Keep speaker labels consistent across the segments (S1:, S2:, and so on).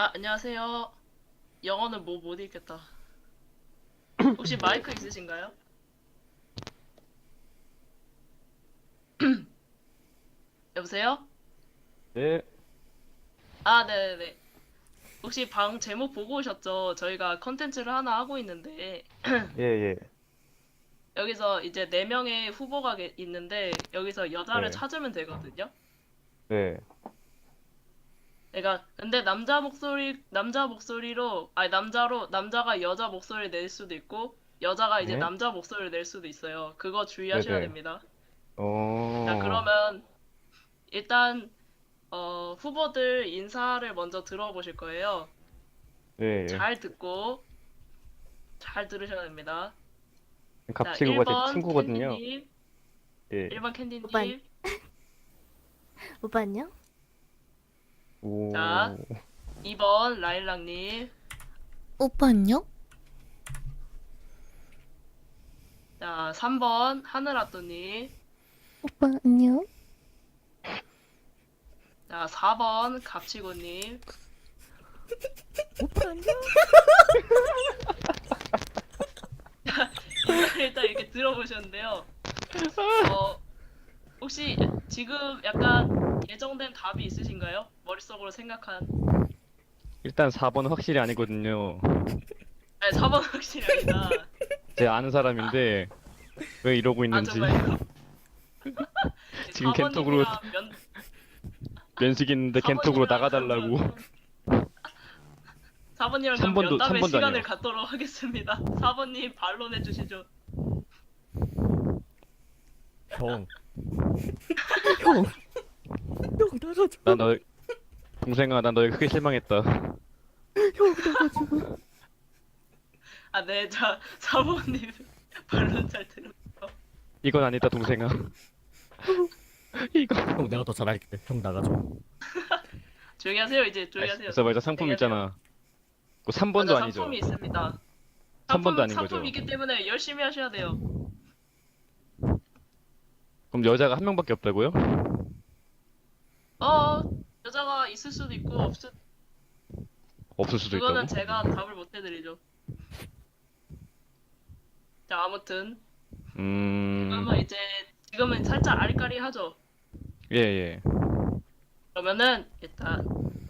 S1: 아, 안녕하세요. 영어는 뭐 못 읽겠다. 혹시 마이크 있으신가요? 여보세요?
S2: 네,
S1: 아, 네네네. 혹시 방 제목 보고 오셨죠? 저희가 컨텐츠를 하나 하고 있는데,
S2: 예, 예,
S1: 여기서 이제 4명의 후보가 있는데, 여기서 여자를
S2: 네,
S1: 찾으면 되거든요?
S2: 네,
S1: 근데 남자 목소리로, 아니, 남자가 여자 목소리를 낼 수도 있고, 여자가 이제
S2: 네,
S1: 남자 목소리를 낼 수도 있어요. 그거
S2: 네,
S1: 주의하셔야
S2: 네.
S1: 됩니다. 자,
S2: 어,
S1: 그러면, 일단, 후보들 인사를 먼저 들어보실 거예요.
S2: 예, 예.
S1: 잘 듣고, 잘 들으셔야 됩니다. 자,
S2: 갑치구가 제
S1: 1번
S2: 친구거든요.
S1: 캔디님,
S2: 예.
S1: 1번
S3: 오빠,
S1: 캔디님.
S3: 오빠 안녕?
S1: 자,
S2: 오,
S1: 2번 라일락님.
S3: 오빠 안녕?
S1: 자, 3번 하늘아또님.
S3: 오빠 안녕?
S1: 자, 4번 갑치고님.
S3: 오빠 안녕?
S1: 일단 이렇게 들어보셨는데요. 어, 혹시 지금 약간 예정된 답이 있으신가요? 머릿속으로 생각한.
S2: 일단 4번 확실히 아니거든요.
S1: 아니, 4번 확실히 아니다.
S2: 제 아는 사람인데 왜 이러고
S1: 아,
S2: 있는지
S1: 정말요?
S2: 지금 겐톡으로
S1: 4번님이랑
S2: 면식 있는데 겐톡으로 나가달라고.
S1: 4번님이랑 그럼
S2: 3번도
S1: 면담의
S2: 3번도
S1: 시간을
S2: 아니요.
S1: 갖도록 하겠습니다. 4번님 반론해 주시죠.
S4: 형. 형. 형 나가줘.
S2: 나 너 동생아, 나 너에 크게 실망했다.
S4: 형 나가줘.
S1: 아, 네, 자, 4번님 반론 잘 들었어.
S2: 이건 아니다, 동생아. 이거.
S4: 형 내가 더 잘할게. 형 나가줘.
S1: 조용히 하세요, 이제 조용히 하세요.
S2: 그래서 말자 상품
S1: 조용히 하세요.
S2: 있잖아. 그 3번도
S1: 맞아,
S2: 아니죠.
S1: 상품이 있습니다.
S2: 3번도 아닌 거죠.
S1: 상품이 있기 때문에 열심히 하셔야 돼요.
S2: 그럼 여자가 한 명밖에 없다고요?
S1: 어, 여자가 있을 수도 있고
S2: 없을 수도
S1: 그거는
S2: 있다고?
S1: 제가 답을 못 해드리죠. 자, 아무튼 그러면 이제 지금은 살짝 아리까리하죠.
S2: 예, 예.
S1: 그러면은 일단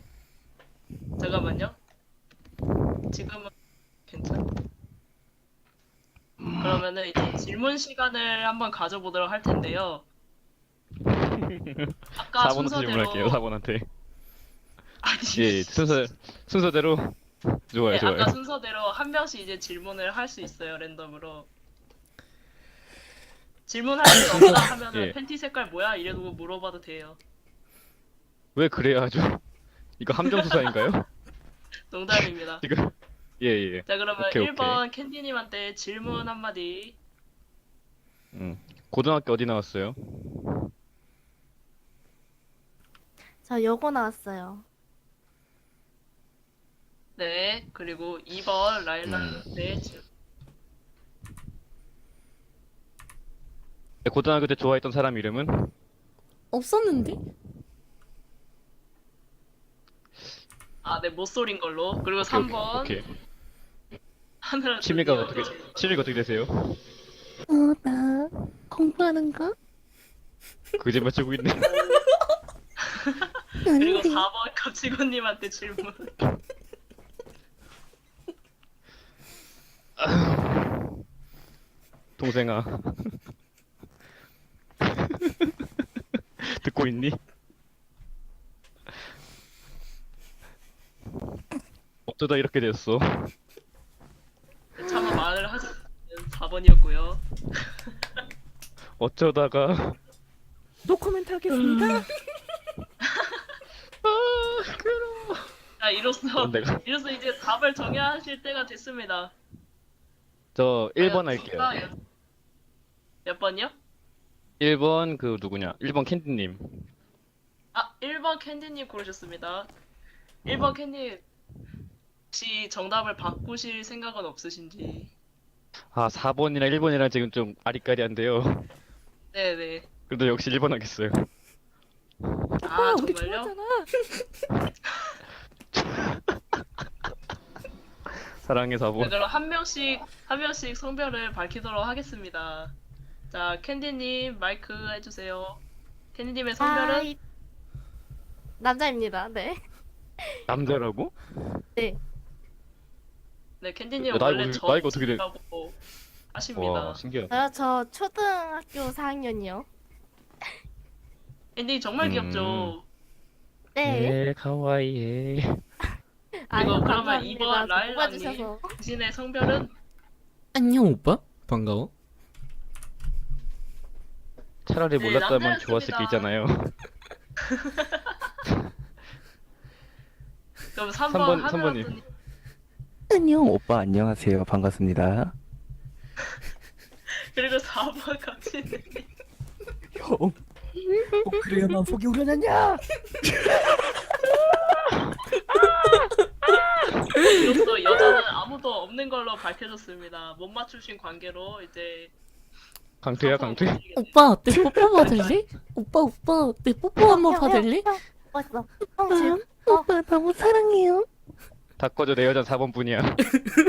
S1: 잠깐만요. 지금은 괜찮아. 그러면은 이제 질문 시간을 한번 가져보도록 할 텐데요. 아까
S2: 4번부터 질문할게요,
S1: 순서대로
S2: 4번한테.
S1: 아니,
S2: 예, 예. 순서대로. 좋아요,
S1: 네,
S2: 좋아요.
S1: 아까 순서대로 한 명씩 이제 질문을 할 수 있어요, 랜덤으로. 질문할 수 없다 하면은
S2: 예.
S1: 팬티 색깔 뭐야? 이래도 물어봐도 돼요.
S2: 왜 그래야 하죠? 이거 함정수사인가요?
S1: 농담입니다.
S2: 지금. 예, 예.
S1: 자, 그러면
S2: 오케이, 오케이.
S1: 1번 캔디님한테 질문 한마디.
S2: 고등학교 어디 나왔어요?
S3: 저 여고 나왔어요.
S1: 네, 그리고 2번 라일락한테
S2: 고등학교 때 좋아했던 사람 이름은?
S3: 없었는데?
S1: 아, 네, 못소린 걸로. 그리고
S2: 오케이,
S1: 3번
S2: 오케이.
S1: 하늘아
S2: 취미가 어떻게, 취미가 어떻게 되세요?
S3: 나 공부하는 거?
S2: 거짓말 치고 있네.
S1: 그리고
S3: 아닌데.
S1: 4번 갑치고님한테 질문.
S2: 동생아. 듣고 있니? 어쩌다 이렇게 됐어?
S1: 차마 말을 하지 않는 4번이었고요.
S2: 어쩌다가.
S4: 노코멘트 하겠습니다.
S1: 자, 이로써
S2: 내가.
S1: 이제 답을 정하실 때가 됐습니다.
S2: 저 1번
S1: 과연
S2: 할게요.
S1: 누가 몇 번이요?
S2: 1번 그 누구냐? 1번 캔디님.
S1: 아, 1번 캔디님 고르셨습니다. 1번 캔디 혹시 정답을 바꾸실 생각은 없으신지?
S2: 아, 4번이랑 1번이랑 지금 좀 아리까리한데요.
S1: 네네.
S2: 그래도 역시 1번 하겠어요.
S1: 아,
S4: 우리
S1: 정말요?
S4: 좋아하잖아.
S2: 사랑해
S1: 네,
S2: 4번.
S1: 그럼 한 명씩 성별을 밝히도록 하겠습니다. 자, 캔디님 마이크 해주세요. 캔디님의 성별은
S3: 아이, 남자입니다. 네.
S2: 남자라고?
S1: 네, 캔디님
S2: 야, 나이가
S1: 원래
S2: 나이가 어떻게 돼?
S1: 저라고 하십니다.
S2: 와 신기하다.
S3: 저 초등학교 4학년이요.
S1: 캔디 정말
S2: 음.
S1: 귀엽죠.
S3: 네.
S2: 가와이에.
S3: 아유,
S1: 그러면
S3: 감사합니다.
S1: 이번 라일락님.
S3: 뽑아주셔서.
S1: 당신의 성별은
S5: 안녕 오빠 반가워.
S2: 차라리
S1: 네,
S2: 몰랐다면
S1: 남자였습니다.
S2: 좋았을 게 있잖아요.
S1: 그럼 3번
S2: 삼번,
S1: 하늘아
S2: 삼번님.
S1: 님
S6: 안녕 오빠 안녕하세요 반갑습니다.
S1: 그리고 4번 강진님.
S4: 형. 꼭 그래야만 속이 우려냈냐?
S1: 이것도 여자는 아무도 없는 걸로 밝혀졌습니다. 못 맞추신 관계로 이제
S2: 강퇴야 강퇴.
S3: 오빠, 내 뽀뽀 받을래? 오빠, 내 뽀뽀 한번 받을래?
S7: 왔어.
S3: 오빠 너무 사랑해요.
S2: 다 꺼져 내 여잔 4번 뿐이야.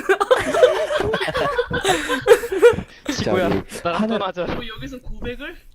S2: 시구야
S6: 저기
S2: 나랑
S6: 하늘-
S2: 떠나자.
S1: 뭐 여기서 고백을?